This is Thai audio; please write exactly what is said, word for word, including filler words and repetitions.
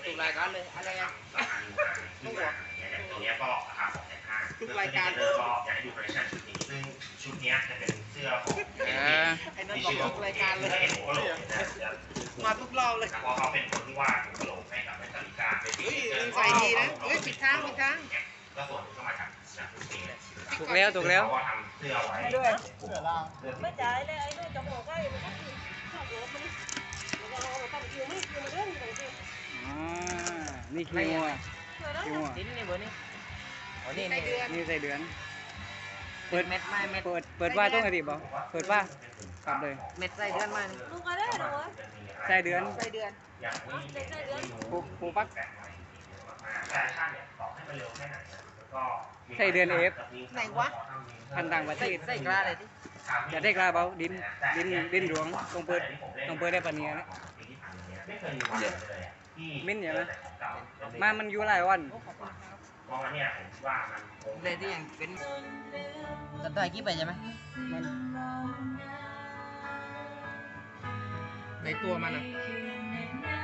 ทุกรายการเลยอะไรอ่ะทุกหัวตัวนี้ก็ราคาสองแสนห้าทุกรายการก็อยากให้ดูคอลเลคชันชุดนี้ซึ่งชุดนี้จะเป็นเสื้อของไอ้นั่นบอกทุกรายการเลยมาทุกรอบเลยเพราะเขาเป็นคนที่วาดกระโหลกให้กับแมตติก้าเฮ้ยใส่ดีนะเฮ้ยปิดทางปิดทางก็ส่วนก็มาจากจากทุกปีถูกแล้วถูกแล้วเขาทำเสื้อไว้ด้วยเสื้อล่างไม่จ่ายเลยไอ้นู่นจะบอกว่ามันก็คือชอบรถมันแล้วก็เราทำคิวไม่คิวมันเรื่องอะไรสิอ่านี่คิวอ่ะคิวอ่ะดิ้นนี่เบอร์นี่อ๋อนี่นี่นี่ใส่เดือนเปิดเม็ดไม่เม็ดเปิดเปิดว่าต้องกระดิบบ่เปิดว่าปรับเลยเม็ดใส่เดือนมาลูกอะไรหรอใส่เดือนใส่เดือนปูปูปักใช่ใช่เนี่ยต่อให้มันเร็วแค่ไหนก็ใส่เดือนเอฟไหนวะพันต่างประเทศใส่กล้าเลยดิอย่าได้กล้าเบาดินดินดินหลวงต้องเปิดต้องเปิดได้ปะเนียนะมิ้นอย่างนะมามันอยู่หลายวันเพราะว่าเนี่ยผมว่ามันเลยที่ยังเป็นตัดต่อกี่ไปใช่ไหมมันในตัวมันอ่ะ